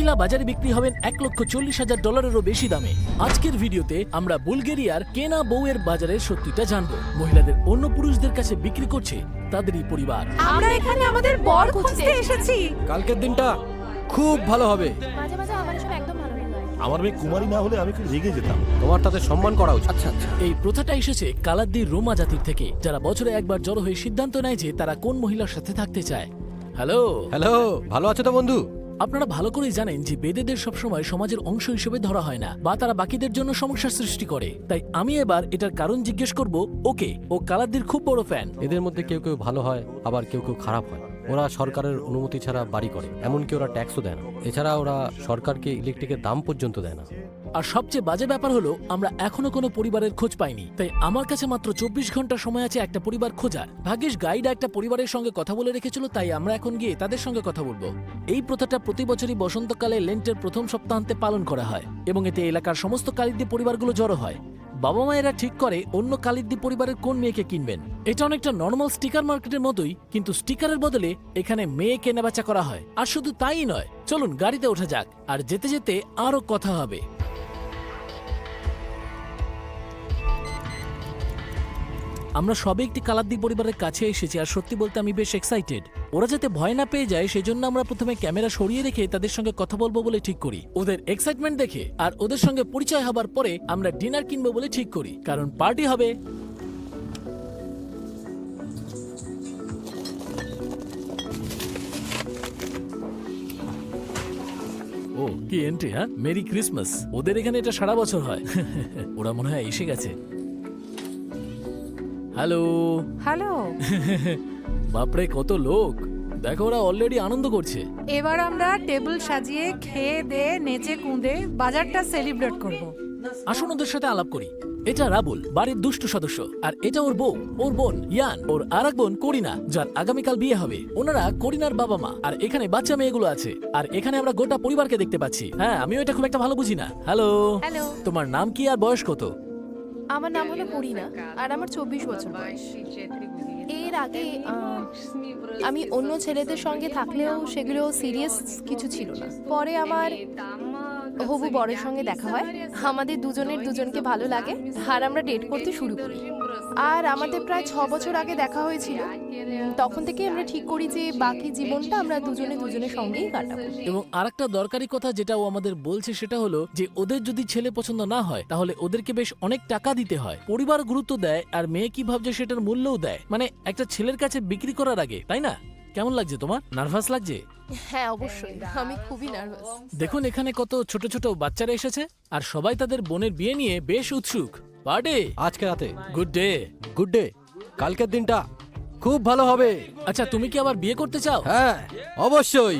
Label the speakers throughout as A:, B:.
A: মহিলা বাজারে বিক্রি হবেন $1,40,000 বেশি দামে। আজকের ভিডিওতে আমরা বুলগেরিয়ার কেনা বউয়ের বাজারের সত্যিটা জানবো। মহিলাদের অন্য পুরুষদের কাছে বিক্রি করছে তাদেরই পরিবার।
B: আমরা এখানে আমাদের বর খুঁজতে এসেছি।
C: কালকের দিনটা খুব ভালো হবে।
B: মাঝে মাঝে আমার সব একদম ভালো লাগে।
D: আমার মেয়ে কুমারী না হলে আমি খুব রেগে যেতাম।
C: তোমার তাদের সম্মান করা উচিত।
A: আচ্ছা, এই প্রথাটা এসেছে কালাদ্দির রোমা জাতির থেকে, যারা বছরে একবার জড়ো হয়ে সিদ্ধান্ত নেয় যে তারা কোন মহিলার সাথে থাকতে চায়। হ্যালো,
C: ভালো আছো তো বন্ধু?
A: আপনারা ভালো করেই জানেন যে বেদেদের সবসময় সমাজের অংশ হিসেবে ধরা হয় না, বা তারা বাকিদের জন্য সমস্যা সৃষ্টি করে। তাই আমি এবার এটার কারণ জিজ্ঞেস করব ওকে। ও কালাদ্দির খুব বড় ফ্যান।
C: এদের মধ্যে কেউ কেউ ভালো হয়, আবার কেউ কেউ খারাপ হয়। ওরা সরকারের অনুমতি ছাড়া বাড়ি করে, এমনকি ওরা ট্যাক্সও দেয় না। এছাড়া ওরা সরকারকে ইলেকট্রিকের দাম পর্যন্ত দেয় না।
A: আর সবচেয়ে বাজে ব্যাপার হলো আমরা এখনো কোনো পরিবারের খোঁজ পাইনি। তাই আমার কাছে মাত্র 24 ঘন্টা সময় আছে একটা পরিবার খোঁজার। ভাগ্যিস গাইড একটা পরিবারের সঙ্গে কথা বলে রেখেছিল, তাই আমরা এখন গিয়ে তাদের সঙ্গে কথা বলবো। এই প্রথাটা প্রতি বছরই বসন্তকালে লেন্টের প্রথম সপ্তাহান্তে পালন করা হয়, এবং এতে এলাকার সমস্ত কালিদ্দি পরিবারগুলো জড়ো হয়। বাবা মায়েরা ঠিক করে অন্য কালিদ্দি পরিবারের কোন মেয়েকে কিনবেন। এটা অনেকটা নর্মাল স্টিকার মার্কেটের মতোই, কিন্তু স্টিকারের বদলে এখানে মেয়ে কেনাবেচা করা হয়। আর শুধু তাই নয়, চলুন গাড়িতে ওঠা যাক, আর যেতে যেতে আরো কথা হবে। আমরা সবে একটি কালাদ্দি পরিবারের কাছে এসেছি, আর সত্যি বলতে আমি বেশ এক্সাইটেড। ওরা যাতে ভয় না পেয়ে যায় সেজন্য আমরা প্রথমে ক্যামেরা সরিয়ে রেখে তাদের সঙ্গে কথা বলবো বলে ঠিক করি। ওদের এক্সাইটমেন্ট দেখে আর ওদের সঙ্গে পরিচয় হবার পরে আমরা ডিনার কিনবো বলে ঠিক করি, কারণ পার্টি হবে। ও কি এন্ট্রি! হ্যাঁ, মেরি ক্রিসমাস। ওদের এখানে এটা সারা বছর হয়। ওরা মনে হয় এসে গেছে। Hello
B: hello.
A: বাপরে, কত লোক! দেখো, ওরা অলরেডি আনন্দ করছে।
B: এবার আমরা টেবিল সাজিয়ে খেয়ে দিয়ে নেচে কুঁদে বাজারটা সেলিব্রেট করব।
A: আসুন ওদের সাথে আলাপ করি। এটা রাবুল, বাড়ির দুষ্টু সদস্য, আর এটা ওর বউ, ওর বোন ইয়ান, ওর আর এক বোন করিনা, যার আগামীকাল বিয়ে হবে। ওনারা করিনার বাবা মা, আর এখানে বাচ্চা মেয়েগুলো আছে। আর এখানে আমরা গোটা পরিবারকে দেখতে পাচ্ছি। হ্যাঁ, আমিও এটা খুব একটা ভালো বুঝি না। হ্যালো,
E: হ্যালো,
A: তোমার নাম কি আর বয়স কত?
E: আমার নাম হলো করিনা, আর আমার 24 বছর বয়স। এর আগে আমি অন্য ছেলেদের সঙ্গে থাকলেও সেগুলো সিরিয়াস কিছু ছিল না। পরে আমার হবু বরের সঙ্গে দেখা হয়, আমাদের দুজনের দুজনকে ভালো লাগে, আর আমরা ডেট করতে শুরু করি। আর আমাদের প্রায় 6 বছর আগে দেখা হয়েছিল। তখন থেকে আমরা ঠিক করি যে বাকি জীবনটা আমরা দুজনে দুজনের সঙ্গেই কাটাবো।
A: এবং আরেকটা দরকারি কথা যেটা ও আমাদের বলছে সেটা হলো যে ওদের যদি ছেলে পছন্দ না হয় তাহলে ওদেরকে বেশ অনেক টাকা দিতে হয়। পরিবার গুরুত্ব দেয়, আর মেয়ে কি ভাবছে সেটার মূল্যও দেয়। মানে একটা ছেলের কাছে বিক্রি করার আগে, তাই না? কেমন লাগছে তোমার? নার্ভাস লাগছে?
E: হ্যাঁ, অবশ্যই, আমি খুবই নার্ভাস।
A: দেখুন এখানে কত ছোট ছোট বাচ্চারা এসেছে, আর সবাই তাদের বোনের বিয়ে নিয়ে বেশ উৎসুক। পার্টি
C: আজকে রাতে
A: গুড ডে।
C: Good day. কালকের দিনটা খুব ভালো হবে।
A: আচ্ছা, তুমি কি আবার বিয়ে করতে চাও?
C: হ্যাঁ, অবশ্যই।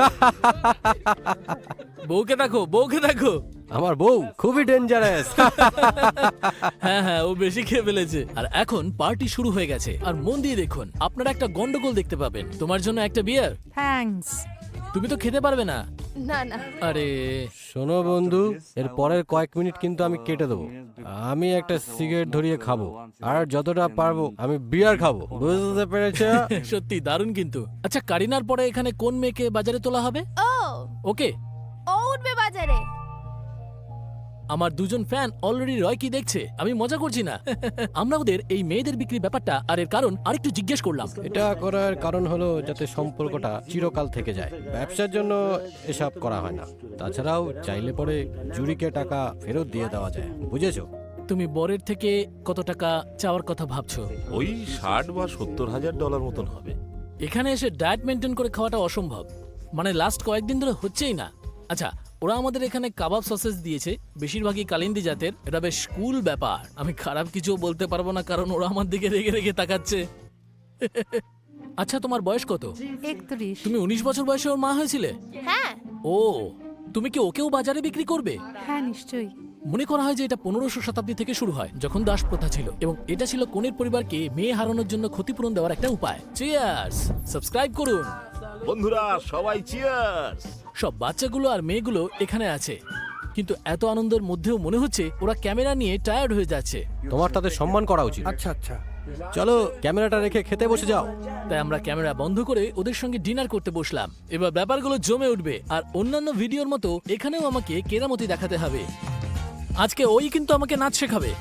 A: বউকে দেখো, বউকে দেখো।
C: আমার বউ খুবই ডেঞ্জারাস।
A: হ্যাঁ হ্যাঁ, ও বেশি খেয়ে ফেলেছে। আর এখন পার্টি শুরু হয়ে গেছে, আর মন দিয়ে দেখুন, আপনারা একটা গন্ডগোল দেখতে পাবেন। তোমার জন্য একটা বিয়ার।
B: থ্যাঙ্কস।
A: তুমি তো খেতে পারবে না।
E: না না,
A: আরে
C: শোনো বন্ধু, এর পরের কয়েক মিনিট কিন্তু আমি কেটে দেবো। আমি একটা সিগারেট ধরিয়ে খাবো, আর যতটা পারবো আমি বিয়ার খাবো। বুঝতে পেরেছ?
A: সত্যি দারুণ কিন্তু। আচ্ছা, কারিনার পরে এখানে কোন মেয়েকে বাজারে তোলা হবে?
E: ও
A: ওকে,
E: ও উঠবে বাজারে।
A: আমার দুজন ফ্যান অলরেডি রয় কি দেখছে। আমি মজা করছি না। আমরা ওদের এই মেয়েদের বিক্রির ব্যাপারটা আর এর কারণ আরেকটু জিজ্ঞেস করলাম।
C: এটা করার কারণ হলো যাতে সম্পর্কটা চিরকাল থেকে যায়। ব্যবসার জন্য এসব করা হয় না। তাছাড়াও চাইলে পরে জুরিকে টাকা ফেরত দিয়ে দেওয়া যায়। বুঝেছো?
A: তুমি বরের থেকে কত টাকা চাওয়ার কথা ভাবছো?
D: ওই 60 বা 70 হাজার ডলার মতন হবে।
A: এখানে এসে ডায়েট মেনটেন করে খাওয়াটা অসম্ভব। মানে লাস্ট কয়েকদিন ধরে হচ্ছেই না। আচ্ছা, ওরা আমাদের এখানে কাবাব সসেস দিয়েছে, বেশিরভাগই কালিন্দি জাতের। এটা বেশ কুল ব্যাপার। আমি খারাপ কিছু বলতে পারবো না, কারণ ওরা আমার দিকে রেগে রেগে তাকাচ্ছে। আচ্ছা, তোমার বয়স কত?
B: 31।
A: তুমি 19 বছর বয়সে ওর মা হয়েছিলে?
E: হ্যাঁ,
A: ও, তুমি কি ওকেও বাজারে বিক্রি করবে?
B: হ্যাঁ, নিশ্চয়ই।
A: মনে করা হয় যে এটা 1500 শতাব্দী থেকে শুরু হয়, যখন দাস প্রথা ছিল, এবং এটা ছিল কনের পরিবারকে মেয়ে হারানোর জন্য ক্ষতিপূরণ দেওয়ার একটা উপায়। চিয়ার্স! সাবস্ক্রাইব করুন।
D: বন্ধুরা সবাই চিয়ার্স।
A: সব বাচ্চাগুলো আর মেয়েগুলো এখানে আছে, কিন্তু এত আনন্দের মধ্যেও মনে হচ্ছে ওরা ক্যামেরা নিয়ে টায়ার্ড হয়ে যাচ্ছে।
C: তোমার তাদের সম্মান করা উচিত।
F: আচ্ছা আচ্ছা,
C: চলো ক্যামেরাটা রেখে খেতে বসে যাও।
A: তাই আমরা ক্যামেরা বন্ধ করে ওদের সঙ্গে ডিনার করতে বসলাম। এবার ব্যাপারগুলো জমে উঠবে, আর অন্যান্য ভিডিওর মতো এখানেও আমাকে কেরামতি দেখাতে হবে। আজকে ওই কিন্তু আমাকে নাচ শেখাবে।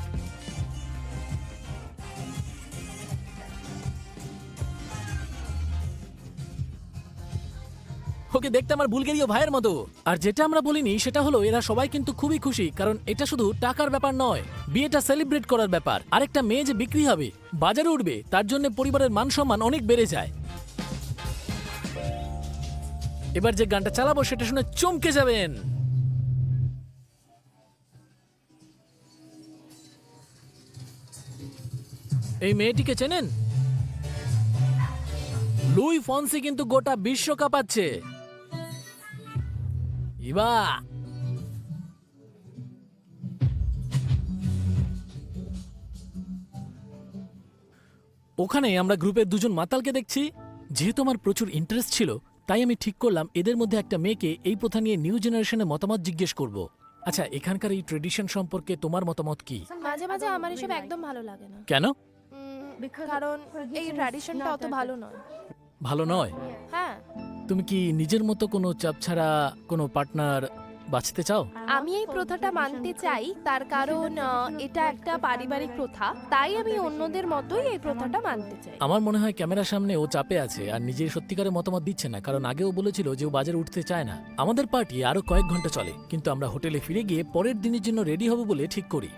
A: ওকে দেখতে আমার বুলগেরীয় ভাইয়ের মতো। আর যেটা আমরা বলিনি সেটা হলো এরা সবাই কিন্তু খুবই খুশি, কারণ এটা শুধু টাকার ব্যাপার নয়, বিয়েটা সেলিব্রেট করার ব্যাপার। আরেকটা মেয়ে যে বিক্রি হবে, বাজারে উঠবে, তার জন্য পরিবারের মান সম্মান অনেক বেড়ে যায়। এবার যে গানটা চালাবো সেটা শুনে চমকে যাবেন। এই মেয়েটিকে চেনেন? লুই ফন্সি কিন্তু গোটা বিশ্ব কাঁপাচ্ছে। ইবা ওখানে আমরা গ্রুপের দুজন মাতালকে দেখছি। যেহেতু আমার প্রচুর ইন্টারেস্ট ছিল, তাই আমি ঠিক করলাম এদের মধ্যে একটা মেয়েকে এই প্রথা নিয়ে নিউ জেনারেশনের মতামত জিজ্ঞেস করব। আচ্ছা, এখানকার এই ট্রেডিশন সম্পর্কে তোমার মতামত কি?
E: মাঝে মাঝে আমার এসব একদম ভালো লাগে না।
A: কেন?
E: কারণ এই ট্র্যাডিশনটা অত ভালো নয়।
A: ভালো নয়?
E: হ্যাঁ,
A: তুমি কি নিজের মতো কোনো চাপ ছাড়া কোনো পার্টনার বাঁচতে চাও?
E: আমি এই প্রথাটা মানতে চাই, তার কারণ এটা একটা পারিবারিক প্রথা, তাই আমি অন্যদের মতোই এই প্রথাটা মানতে চাই।
A: আমার মনে হয় ক্যামেরার সামনে ও চাপে আছে আর নিজের সত্যিকারের মতামত দিচ্ছে না, কারণ আগেও বলেছিল যে ও বাজারে উঠতে চায় না। আমাদের পার্টি আরো কয়েক ঘন্টা চলে, কিন্তু আমরা হোটেলে ফিরে গিয়ে পরের দিনের জন্য রেডি হব বলে ঠিক করি।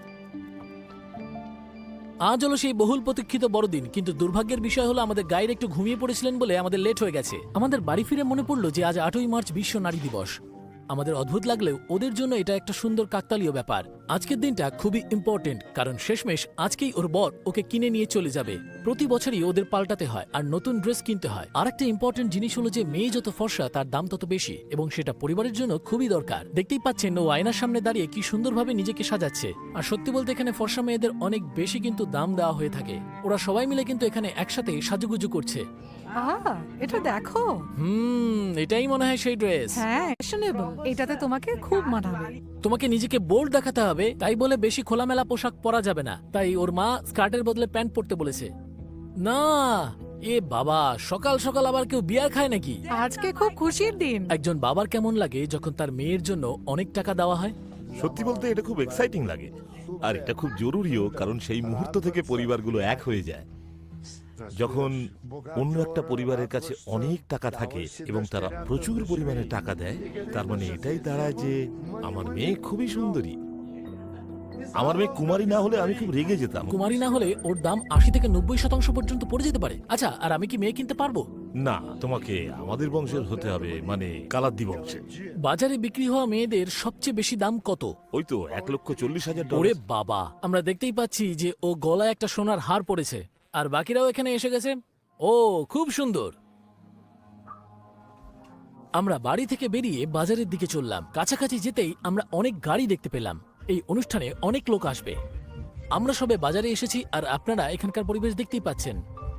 A: আজ হলো সেই বহুল প্রতীক্ষিত বড়দিন, কিন্তু দুর্ভাগ্যের বিষয় হলো আমাদের গাইড একটু ঘুমিয়ে পড়েছিলেন বলে আমাদের লেট হয়ে গেছে। আমাদের বাড়ি ফিরে মনে পড়লো যে আজ 8ই মার্চ বিশ্ব নারী দিবস। আমাদের অদ্ভুত লাগলেও ওদের জন্য এটা একটা সুন্দর কাকতালীয় ব্যাপার। আজকের দিনটা খুবই ইম্পর্টেন্ট, কারণ শেষমেশ আজকেই ওর বর ওকে কিনে নিয়ে চলে যাবে। প্রতি বছরই ওদের পাল্টাতে হয় আর নতুন ড্রেস কিনতে হয়। আর একটা ইম্পর্টেন্ট জিনিস হলো যে মেয়ে যত ফর্সা তার দাম তত বেশি, এবং সেটা পরিবারের জন্য খুবই দরকার। দেখতেই পাচ্ছেন ও আয়নার সামনে দাঁড়িয়ে কি সুন্দরভাবে নিজেকে সাজাচ্ছে। আর সত্যি বলতে এখানে ফর্সা মেয়েদের অনেক বেশি কিন্তু দাম দেওয়া হয়ে থাকে। ওরা সবাই মিলে কিন্তু এখানে একসাথে সাজুগুজু করছে।
B: এটা দেখো।
A: এটাই মনে হয় সেই ড্রেস।
B: হ্যাঁ, ফ্যাশনেবল। এটাতে তোমাকে খুব মানাবে।
A: তোমাকে নিজেকে বোল্ড দেখাতে হবে, তাই বলে বেশি খোলামেলা পোশাক পরা যাবে না। তাই ওর মা স্কার্টের বদলে প্যান্ট পরতে বলেছে। না, এ বাবা, সকাল সকাল আবার কেউ বিয়ার খায় নাকি?
B: আজকে খুব খুশির দিন।
A: একজন বাবার কেমন লাগে যখন তার মেয়ের জন্য অনেক টাকা দেওয়া হয়?
D: সত্যি বলতে এটা খুব এক্সাইটিং লাগে, আর এটা খুব জরুরিও, কারণ সেই মুহূর্ত থেকে পরিবারগুলো এক হয়ে যায়। যখন অন্য একটা পরিবারের কাছে অনেক টাকা থাকে এবং তারা প্রচুর পরিমাণে টাকা দেয়, তার মানে এটাই দাঁড়ায় যে আমার মেয়ে খুবই সুন্দরী। আমার মেয়ে কুমারী না হলে আমি খুব রেগে যেতাম।
A: কুমারী না হলে ওর দাম 80 থেকে 90% পর্যন্ত পড়ে যেতে পারে। আচ্ছা, আর আমি কি মেয়ে কিনতে পারবো?
D: না, তোমাকে আমাদের বংশের হতে হবে, মানে কালাদ্দি বংশের।
A: বাজারে বিক্রি হওয়া মেয়েদের সবচেয়ে বেশি দাম কত?
D: ওই তো 1,40,000
A: ওরে
D: ডলার।
A: বাবা, আমরা দেখতেই পাচ্ছি যে ও গলায় একটা সোনার হার পড়েছে, আর বাকিরাও এখানে এসে গেছে। ও খুব সুন্দর। আমরা বাড়ি থেকে বেরিয়ে বাজারের দিকে চললাম। কাছাকাছি যেতেই আমরা অনেক গাড়ি দেখতে পেলাম। এই অনুষ্ঠানে অনেক লোক আসবে। আমরা সবে বাজারে এসেছি, আর আপনারা এখানকার পরিবেশ দেখতেই পাচ্ছেন।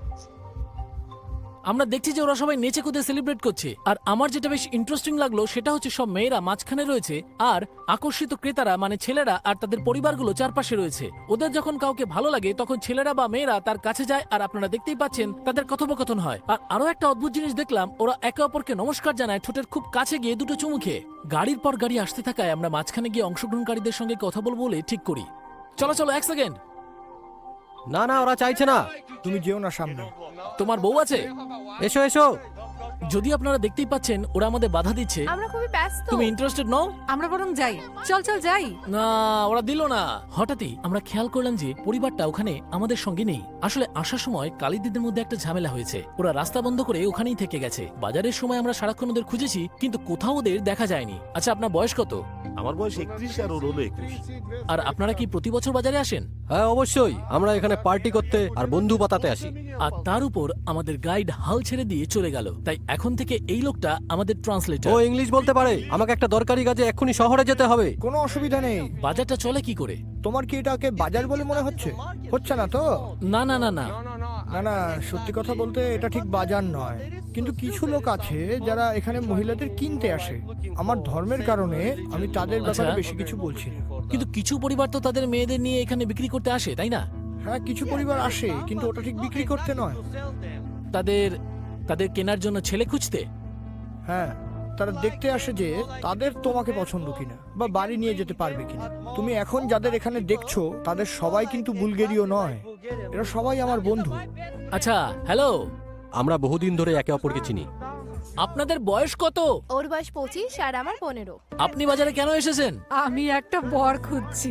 A: আমরা দেখছি যে ওরা সবাই নেচে কুদে সেলিব্রেট করছে। আর আমার যেটা বেশ ইন্টারেস্টিং লাগলো সেটা হচ্ছে সব মেয়েরা মাঝখানে রয়েছে, আর আকর্ষিত ক্রেতারা মানে ছেলেরা আর তাদের পরিবারগুলো চারপাশে রয়েছে। ওদের যখন কাউকে ভালো লাগে তখন ছেলেরা বা মেয়েরা তার কাছে যায়, আর আপনারা দেখতেই পাচ্ছেন তাদের কথোপকথন হয়। আর আরো একটা অদ্ভুত জিনিস দেখলাম, ওরা একে অপরকে নমস্কার জানায় ঠোঁটের খুব কাছে গিয়ে দুটো চুমু খেয়ে। গাড়ির পর গাড়ি আসতে থাকায় আমরা মাঝখানে গিয়ে অংশগ্রহণকারীদের সঙ্গে কথা বলবো বলে ঠিক করি। চলো চলো, এক সেকেন্ড।
C: না না, ওরা চাইছে না।
F: তুমি যেও না সামনে।
A: তোমার বউ আছে?
C: এসো এসো।
A: যদি আপনারা দেখতেই পাচ্ছেন ওরা আমাদের বাধা দিচ্ছে।
E: আমরা খুবই ব্যস্ত।
A: তুমি ইন্টারেস্টেড নও?
B: আমরা বরং যাই। চল চল যাই।
A: না, ওরা দিল না। হঠাৎই আমরা খেয়াল করলাম যে পরিবারটা ওখানে আমাদের সঙ্গে নেই। আসলে আসার সময় কালিদিদের মধ্যে একটা ঝামেলা হয়েছে। ওরা রাস্তা বন্ধ করে ওখানেই থেকে গেছে। বাজারের সময় আমরা সারাক্ষণ ওদের খুঁজেছি, কিন্তু কোথাও ওদের দেখা যায়নি। আচ্ছা, আপনার বয়স কত?
D: আমার বয়স 31 আর ওর হলো 21।
A: আর আপনারা কি প্রতি বছর বাজারে আসেন?
C: হ্যাঁ অবশ্যই, আমরা এখানে পার্টি করতে আর বন্ধু পাতাতে আসি।
A: আর তার উপর আমাদের গাইড হাল ছেড়ে দিয়ে চলে গেল, তাই এখন থেকে এই লোকটা আমাদের
C: ও
A: ট্রান্সলেটর।
C: ইংলিশ বলতে পারে। আমাকে একটা দরকারি কাজে এক্ষুনি শহরে যেতে হবে।
F: কোনো অসুবিধা নেই।
A: বাজারটা চলে কি করে?
F: তোমার কি এটাকে বাজার বলে মনে হচ্ছে? হচ্ছে না তো?
A: না না না না,
F: না না, সত্যি কথা বলতে এটা ঠিক বাজার নয়, কিন্তু কিছু লোক আছে যারা এখানে মহিলাদের কিনতে আসে। আমার ধর্মের কারণে আমি তাদের ব্যাপারে
A: আচ্ছা।
F: বেশি কিছু বলছি না।
A: কিন্তু কিছু পরিবার তো তাদের মেয়েদের নিয়ে এখানে বিক্রি করতে আসে, তাই না?
F: হ্যাঁ, কিছু পরিবার আসে, কিন্তু ওটা ঠিক বিক্রি করতে নয়।
A: তাদের তাদের কেনার জন্য ছেলে খুঁজতে?
F: হ্যাঁ, তারা দেখতে আসে যে তাদের তোমাকে পছন্দ কিনা বা বাড়ি নিয়ে যেতে পারবে কিনা। তুমি এখন যাদের এখানে দেখছো তাদের সবাই কিন্তু বুলগেরীয় নয়, এরা সবাই আমার বন্ধু।
A: আচ্ছা, হ্যালো,
C: আমরা বহুদিন ধরে একে অপরকে চিনি।
A: আপনাদের বয়স কত?
E: ওর বয়স 25 আর আমার 15।
A: আপনি বাজারে কেন এসেছেন?
B: আমি একটা বর খুঁজছি।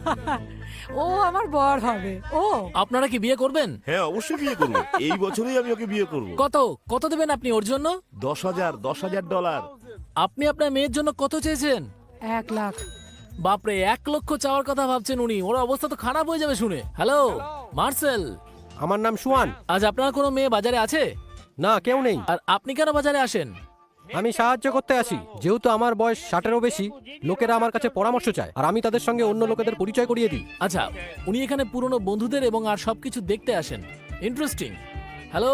B: ও আমার বর হবে। ও
A: আপনারা কি বিয়ে করবেন?
D: হ্যাঁ, অবশ্যই বিয়ে করবো। এই বছরই আমি ওকে বিয়ে করব।
A: কত কত দেবেন আপনি ওর জন্য?
D: $10,000
A: আপনি আপনার মেয়ের জন্য কত চেয়েছেন?
B: 1 লাখ।
A: বাপরে, 1 লক্ষ চাওয়ার কথা ভাবছেন উনি। ওর অবস্থা তো খারাপ হয়ে যাবে শুনে। হ্যালো মার্সেল,
C: আমার নাম সুয়ান।
A: আজ আপনার কোনো মেয়ে বাজারে আছে?
C: না, কেউ নেই।
A: আর আপনি কেন বাজারে আসেন?
C: আমি সাহায্য করতে আসি। যেহেতু আমার বয়স 60-এরও বেশি, লোকেরা আমার কাছে পরামর্শ চায়, আর আমি তাদের সঙ্গে অন্য লোকেদের পরিচয় করিয়ে দিই।
A: আচ্ছা, উনি এখানে পুরনো বন্ধুদের এবং আর সবকিছু দেখতে আসেন। ইন্টারেস্টিং। হ্যালো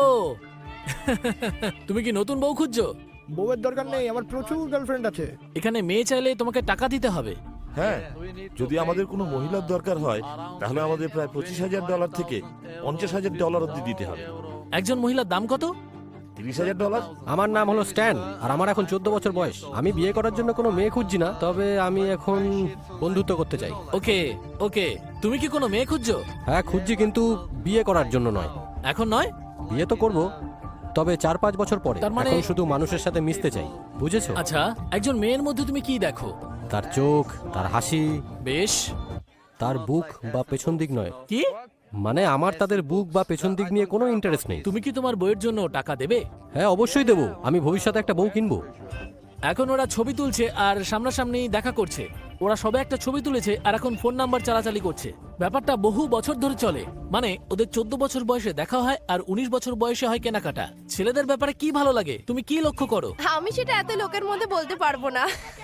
A: তুমি কি নতুন বউ খুঁজছো?
F: বউয়ের দরকার নেই, আমার প্রচুর গার্লফ্রেন্ড আছে।
A: এখানে মেয়ে চাইলে তোমাকে টাকা দিতে হবে।
D: হ্যাঁ, যদি আমাদের কোনো মহিলার দরকার হয় তাহলে আমাদের প্রায় $25,000 থেকে $50,000 অব্দি দিতে হবে।
A: একজন মহিলার দাম কত?
D: $30,000।
C: আমার নাম হলো স্ট্যান, আর আমার এখন 14 বছর বয়স। আমি বিয়ে করার জন্য কোনো মেয়ে খুঁজছি না, তবে আমি এখন বন্ধুত্ব করতে চাই।
A: ওকে ওকে, তুমি কি কোনো মেয়ে খুঁজছো?
C: হ্যাঁ, খুঁজছি, কিন্তু বিয়ে করার জন্য নয়।
A: এখন নয়?
C: বিয়ে তো করব, তবে 4-5 বছর পরে।
A: তার মানে-
C: এখন শুধু মানুষের সাথে মিশতে চাই, বুঝেছো?
A: আচ্ছা, একজন মেয়ের মধ্যে তুমি কি দেখো?
C: তার চোখ, তার হাসি,
A: বেশ।
C: তার বুক বা পেছন দিক নয়।
A: কি?
C: মানে আমার তাদের বুক বা পেছন দিক নিয়ে কোনো ইন্টারেস্ট নেই।
A: তুমি কি তোমার বইয়ের জন্য টাকা দেবে?
C: হ্যাঁ, অবশ্যই দেবো। আমি ভবিষ্যতে একটা বউ কিনবো।
A: এখন ওরা ছবি তুলছে আর সামনাসামনি দেখা করছে। ওরা সবে একটা ছবি তুলেছে আর এখন ফোন নাম্বার চালাচালি করছে। ব্যাপারটা বহু বছর ধরে চলে। মানে ওদের 14 বছর বয়সে দেখা হয় আর 19 বছর বয়সে হয় কেনাকাটা। ছেলেদের ব্যাপারে কি ভালো লাগে তুমি কি লক্ষ্য করো?
E: আমি সেটা এত লোকের মধ্যে বলতে পারবো না।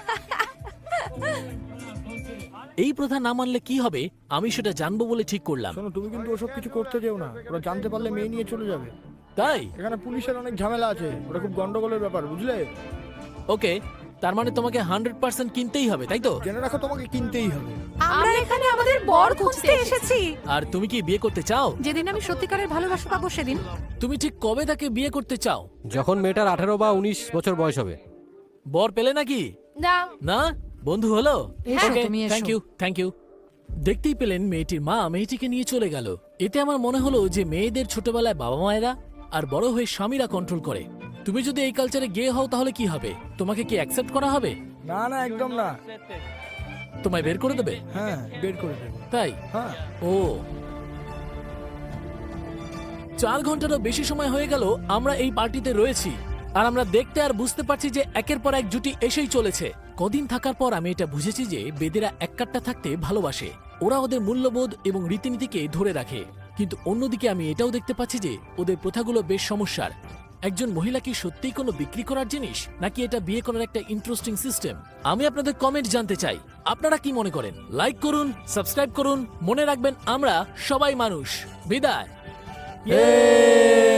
A: এই প্রথা না মানলে কি হবে আমি সেটা জানবো বলে ঠিক করলাম।
F: শোনো, তুমি কিন্তু ওসব কিছু করতে যেও না, ওরা জানতে পারলে মেয়ে নিয়ে চলে যাবে।
A: তাই?
F: এখানে পুলিশের অনেক ঝামেলা আছে, ওটা খুব গন্ডগোলের ব্যাপার, বুঝলে?
A: ওকে, তার মানে তোমাকে 100% কিনতেই হবে, তাই তো?
F: জেনে রাখো, তোমাকে কিনতেই হবে।
B: আমরা এখানে আমাদের বর খুঁজতে এসেছি।
A: আর তুমি কি বিয়ে করতে চাও?
B: যেদিন আমি সত্যিকারের ভালোবাসা পাবো সেদিন।
A: তুমি ঠিক কবে তাকে বিয়ে করতে চাও?
C: যখন মেয়েটার 18 বা 19 বছর বয়স হবে।
A: বর পেলে নাকি?
E: না,
A: না, বন্ধু হলো।
B: এসো, তুমি এসো।
A: Thank you. দেখতেই পেলেন মেয়েটির মা মেয়েটিকে নিয়ে চলে গেল। এতে আমার মনে হলো যে মেয়েদের ছোটবেলায় বাবা মায়েরা আর বড় হয়ে স্বামীরা কন্ট্রোল করে। তুমি যদি এই কালচারে গে হও তাহলে কি হবে? তোমাকে কি অ্যাকসেপ্ট করা হবে?
F: না না, একদম না।
A: তোমায় বের করে দেবে?
F: হ্যাঁ, বের করে দেবো।
A: তাই?
F: হ্যাঁ।
A: ও, 4 ঘন্টারও বেশি সময় হয়ে গেল আমরা এই পার্টিতে রয়েছি, আর আমরা দেখতে আর বুঝতে পারছি যে একের পর এক জুটি এসেই চলেছে। কদিন থাকার পর আমি এটা বুঝেছি যে বেদেরা এক কাট্টা থাকতে ভালোবাসে। ওরা ওদের মূল্যবোধ এবং রীতিনীতিকে ধরে রাখে। কিন্তু অন্যদিকে আমি এটাও দেখতে পাচ্ছি যে ওদের প্রথাগুলো বেশ সমস্যার। একজন মহিলা কি সত্যিই কোনো বিক্রি করার জিনিস, নাকি এটা বিয়ে করার একটা ইন্টারেস্টিং সিস্টেম? আমি আপনাদের কমেন্ট জানতে চাই, আপনারা কি মনে করেন? লাইক করুন, সাবস্ক্রাইব করুন, মনে রাখবেন আমরা সবাই মানুষ। বিদায়।